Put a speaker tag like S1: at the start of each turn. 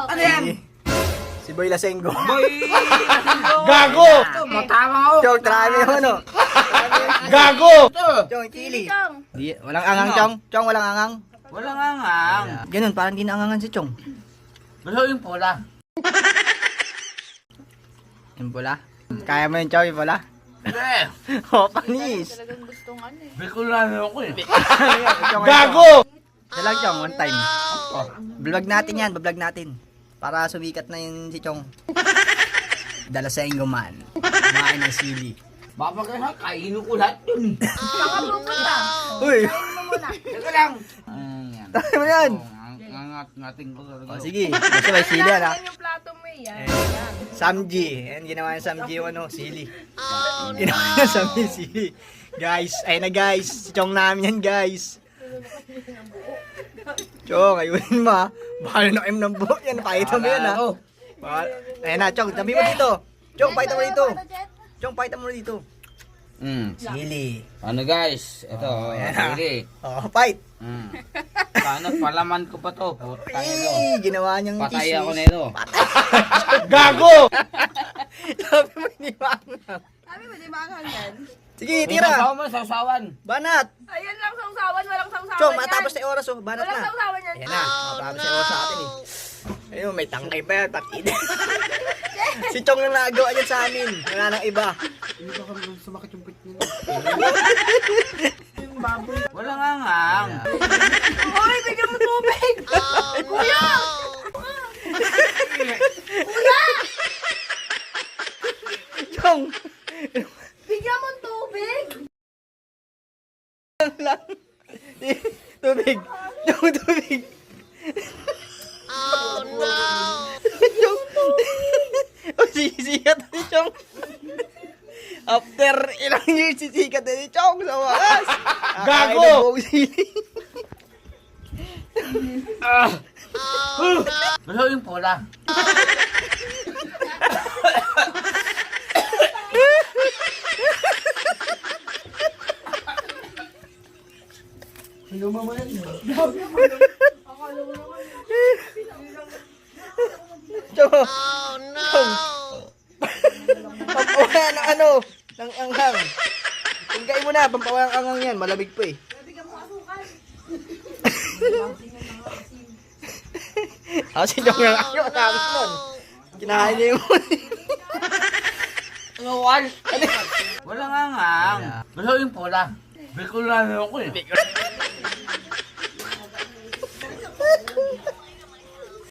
S1: Ano yan?
S2: Si Boy Lasenggo.
S1: Boy!
S3: Gago!
S1: Matama ako.
S2: Chong, trami mo ano?
S3: Gago!
S2: Chong, chili.
S4: Chong.
S2: Di, walang angang, Chong. Chong, walang angang.
S1: Walang angang.
S2: Ganun, parang di naangangan si Chong.
S1: Gusto yung pula.
S2: Yung pula. Kaya mo yun, Chong, yung pula?
S1: Hindi.
S2: Oh, panis.
S4: Talagang gustong ano eh.
S1: Bicolano ako eh.
S2: Chong,
S3: Gago!
S2: Yan lang, Chong, one time. Vlog natin yan, vlog natin. Para sumikat na yun si Chong. Dalasenggo man. Kumain ng sili.
S1: Baka kaya kainin ko lahat yun.
S4: Baka bukod ka.
S2: Uy!
S4: Kain mo muna.
S1: Teka lang. Ayan.
S2: Tayo mo yan.
S1: Ngangat-ngating ko talaga.
S2: O, sige. Basta may sili, ano?
S4: Yan yung plato mo eh. Yan. Yan.
S2: Samji. Yan, ginawa niya Samji yung ano, sili. Ginawa niya Samji sili. Guys, ayun na guys. Si Chong namin yan, guys. Chong, ayunin mo ha. Bahal na kayo ng buhok yan. Pakita mo yan ha. Ayun na, Chong. Tabi mo dito. Chong, pakita mo dito. Chong, pakita mo dito. Sili.
S1: Ano guys? Ito.
S2: Ayan.
S1: Sige.
S2: Oh, fight.
S1: Sana palaman ko pa to. Putang ito.
S2: Ginawa niyang
S1: Patay
S2: chismis.
S1: ako nito.
S3: Gago!
S2: Sabi mo, hindi maangang.
S4: Sabi mo, di ba ang yan?
S2: Sige, tira.
S1: Sausawan.
S2: Banat.
S4: Ayan lang sausawan, walang sausawan
S2: Chong,
S4: yan.
S2: matapos na oras oh. Banat
S4: Walang
S2: na.
S4: sausawan yan.
S2: Ayan na. Matapos na oras sa atin eh. Ayun, may tangkay pa yan. Patid. Si Chong lang nagawa niyan sa amin. Wala nang iba.
S1: Walang angang.
S4: Uy, bigyan mo tubig! Kuya!
S2: Chong!
S4: Bigyan mo tubig!
S2: lang. Tubig. Chong, tubig. Oh no! Chong. Oh, sisikat na si Chong. After ilang years, sisikat na si Chong sa wakas.
S3: Gago!
S2: Kakain ng buong sili.
S1: Gusto yung pula.
S2: Chong. Oh no! Chong. Pampawa ng ano? Ng anghang. Tingkain mo na, pampawa ng anghang yan. Malamig pa eh. Ako si Chong yung ayaw namin nun. Kinahain niya yung
S1: Walang angang. Gusto yung pula. Bicolano ako eh.